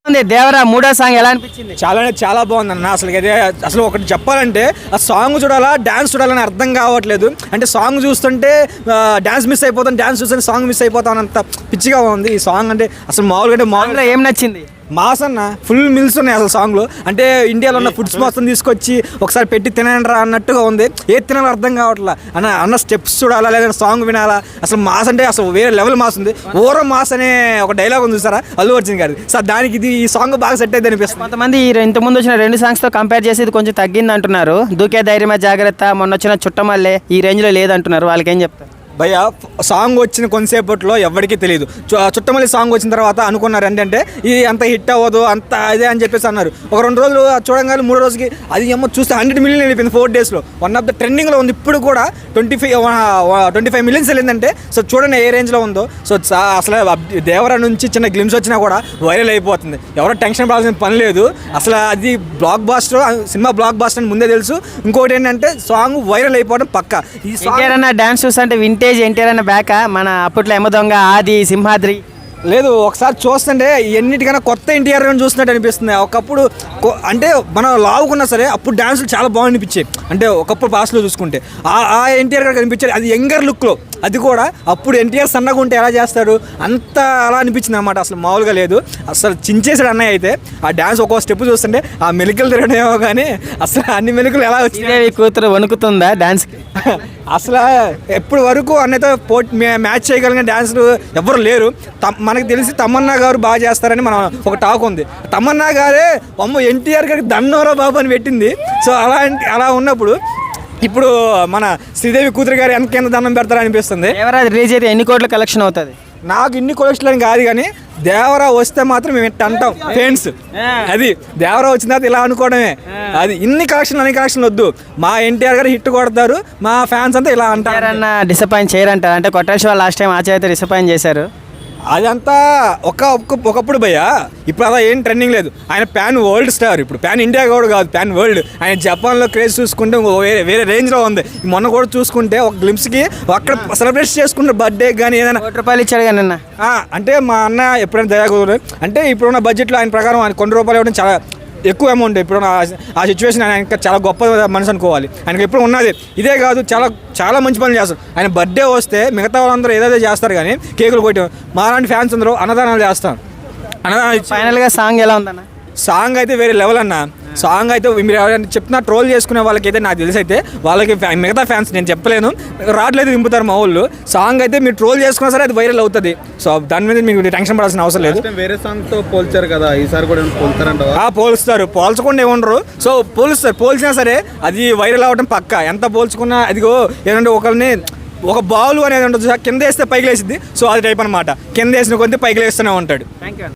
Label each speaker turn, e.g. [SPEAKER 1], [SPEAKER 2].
[SPEAKER 1] దేవరా మూడో సాంగ్ ఎలా అనిపించింది?
[SPEAKER 2] చాలా బాగుంది అన్న. అసలు ఒకటి చెప్పాలంటే ఆ సాంగ్ చూడాలా డాన్స్ చూడాలని అర్థం కావట్లేదు. అంటే సాంగ్ చూస్తుంటే డాన్స్ మిస్ అయిపోతాను, డాన్స్ చూస్తుంటే సాంగ్ మిస్ అయిపోతాను, అంత పిచ్చిగా ఉంది ఈ సాంగ్. అంటే అసలు మామూలుగా
[SPEAKER 1] ఏం నచ్చింది?
[SPEAKER 2] మాస్ అన్న, ఫుల్ మిల్స్ ఉన్నాయి అసలు సాంగ్లో. అంటే ఇండియాలో ఉన్న ఫుడ్స్ మొత్తం తీసుకొచ్చి ఒకసారి పెట్టి తినండి రా అన్నట్టుగా ఉంది. ఏది తినాలో అర్థం కావట్లా అన్న స్టెప్స్ చూడాలా లేదా సాంగ్ వినాలా. అసలు మాస్ అంటే అసలు వేరే లెవెల్ మాస్ ఉంది. ఓరో మాస్ అనే ఒక డైలాగ్ ఉంది చూసారా అల్లు అర్జున్ గారి. సార్ దానికి ఇది ఈ సాంగ్ బాగా సెట్ అయితే అనిపిస్తుంది.
[SPEAKER 1] కొంతమంది ఇంతకుముందు వచ్చిన 2 సాంగ్స్తో కంపేర్ చేసి ఇది కొంచెం తగ్గింది అంటున్నారు. దూకే ధైర్యమే జాగ్రత్త, మొన్న వచ్చిన చుట్టమల్లే ఈ రేంజ్లో లేదంటున్నారు. వాళ్ళకి ఏం చెప్తారు?
[SPEAKER 2] భయ్య సాంగ్ వచ్చిన కొంతసేపట్లో ఎవరికీ తెలియదు. చుట్టమల్లి సాంగ్ వచ్చిన తర్వాత అనుకున్నారు ఏంటంటే ఇది అంత హిట్ అవ్వదు అంత అదే అని చెప్పేసి అన్నారు. ఒక 2 రోజులు చూడంగానే 3 రోజుకి అది ఏమో చూస్తే 100 మిలియన్ వెళ్ళిపోయింది 4 డేస్లో. వన్ ఆఫ్ ద ట్రెండింగ్లో ఉంది. ఇప్పుడు కూడా 25 మిలియన్స్ వెళ్ళిందంటే సో చూడండి ఏ రేంజ్లో ఉందో. సో అసలు దేవరా నుంచి చిన్న గ్లిమ్స్ వచ్చినా కూడా వైరల్ అయిపోతుంది. ఎవరో టెన్షన్ పడాల్సిన పని లేదు. అసలు అది బ్లాక్ బాస్టర్, సినిమా బ్లాక్ బాస్టర్ అని ముందే తెలుసు. ఇంకోటి ఏంటంటే సాంగ్ వైరల్ అయిపోవడం పక్కా. ఈ సాంగ్
[SPEAKER 1] డాన్స్ చూస్తుంటే వింటేజ్ ఎన్టీఆర్ అన్న బ్యాక్ మన అప్పట్లో ఎమ్మ దొంగ, ఆది, సింహాద్రి
[SPEAKER 2] లేదు. ఒకసారి చూస్తుంటే ఎన్నిటికైనా కొత్త ఎన్టీఆర్ అని చూస్తున్నట్టు అనిపిస్తుంది. ఒకప్పుడు అంటే మనం లావుకున్నా సరే అప్పుడు డ్యాన్సులు చాలా బాగా అనిపించాయి. అంటే ఒకప్పుడు పాస్లో చూసుకుంటే ఆ ఎన్టీఆర్ గారు కనిపించారు. అది యంగర్ లుక్లో, అది కూడా అప్పుడు ఎన్టీఆర్ సన్నగా ఉంటే ఎలా చేస్తాడు అంత అలా అనిపించింది అనమాట. అసలు మామూలుగా లేదు. అసలు చించేసాడు అన్నయ్య అయితే. ఆ డ్యాన్స్ ఒక్కో స్టెప్ చూస్తుంటే ఆ మెలికలు తిరగడమేమో కానీ అసలు అన్ని మెలికలు ఎలా వచ్చినాయి.
[SPEAKER 1] కూతురు వణుకుతుందా డాన్స్కి?
[SPEAKER 2] అసలు ఎప్పటి వరకు అన్నయ్యతో మ్యాచ్ చేయగలిగిన డాన్సులు ఎవ్వరు లేరు. మనకు తెలిసి తమన్నా గారు బాగా చేస్తారని మనం ఒక టాక్ ఉంది. తమన్నా గారే అమ్మ ఎన్టీఆర్ గారికి దన్నోరా బాబు అని పెట్టింది. సో అలా ఉన్నప్పుడు ఇప్పుడు మన శ్రీదేవి కూతురు గారు ఎంత దండం పెడతారనిపిస్తుంది.
[SPEAKER 1] రిలీజ్ అయితే ఎన్ని కోట్ల కలెక్షన్ అవుతుంది?
[SPEAKER 2] నాకు ఇన్ని కొలెక్షన్ అని కాదు కానీ దేవరా వస్తే మాత్రం మేము ఎట్ట అంటాం ఫ్రెండ్స్. అది దేవరా వచ్చిన తర్వాత ఇలా అనుకోవడమే. అది అన్ని కలెక్షన్ వద్దు. మా ఎన్టీఆర్ గారు హిట్ కొడతారు, మా ఫ్యాన్స్ అంతా ఇలా అంటారు.
[SPEAKER 1] డిసప్పాయింట్ చేయరంటారు. అంటే కొట్టేశ్వర లాస్ట్ టైం ఆచార్య అయితే డిసప్పాయింట్ చేశారు.
[SPEAKER 2] అదంతా ఒకప్పుడు భయ్య. ఇప్పుడు అలా ఏం ట్రెండింగ్ లేదు. ఆయన ప్యాన్ వరల్డ్ స్టార్. ఇప్పుడు ప్యాన్ ఇండియా కూడా కాదు, ప్యాన్ వరల్డ్. ఆయన జపాన్లో క్రేజ్ చూసుకుంటే వేరే రేంజ్లో ఉంది. మొన్న కూడా చూసుకుంటే ఒక గ్లిమ్స్కి అక్కడ సెలబ్రేట్ చేసుకుంటే బర్త్డే కానీ ఏదైనా
[SPEAKER 1] ₹1 ఇచ్చాడు కానీ అన్న.
[SPEAKER 2] అంటే మా అన్న ఎప్పుడైనా దయాకూడదు. అంటే ఇప్పుడున్న బడ్జెట్లో ఆయన ప్రకారం ఆయన ₹1 ఇవ్వడం చాలా ఎక్కువ అమౌంట్. ఇప్పుడు ఆ సిచ్యువేషన్ ఆయన ఇంకా చాలా గొప్ప మనసు అనుకోవాలి. ఆయనకి ఎప్పుడు ఉన్నది. ఇదే కాదు, చాలా మంచి పనులు చేస్తారు. ఆయన బర్త్డే వస్తే మిగతా వాళ్ళందరూ ఏదైతే చేస్తారు కానీ కేకులు కొట్టి మాలాంటి ఫ్యాన్స్ అందరూ అన్నదానాలు చేస్తాం.
[SPEAKER 1] ఫైనల్గా సాంగ్ ఎలా ఉందన్న?
[SPEAKER 2] సాంగ్ అయితే వేరే లెవెల్ అన్న. సాంగ్ అయితే మీరు ఎవరైనా చెప్తున్నా ట్రోల్ చేసుకునే వాళ్ళకైతే నాకు తెలిసి అయితే వాళ్ళకి మిగతా ఫ్యాన్స్ నేను చెప్పలేను, రావట్లేదు దింపుతారు మా వాళ్ళు. సాంగ్ అయితే మీరు ట్రోల్ చేసుకున్నా సరే అది వైరల్ అవుతుంది. సో దాని మీద మీకు టెన్షన్ పడాల్సిన అవసరం లేదు.
[SPEAKER 3] వేరే సాంగ్తో పోల్చారు కదా, ఈసారి కూడా పోల్తారంట?
[SPEAKER 2] పోల్స్తారు, పోల్చకుండా ఏమనరు. సో పోల్చినా సరే అది వైరల్ అవ్వడం పక్కా. ఎంత పోల్చుకున్నా అదిగో ఏంటంటే ఒకరిని ఒక బాల్ అనేది ఉంటుంది, కింద వేస్తే పైకి లేసిద్ది. సో అది టైప్ అనమాట. కింద వేసిన కొద్ది పైకి లేస్తూనే ఉంటాడు.
[SPEAKER 1] Thank you.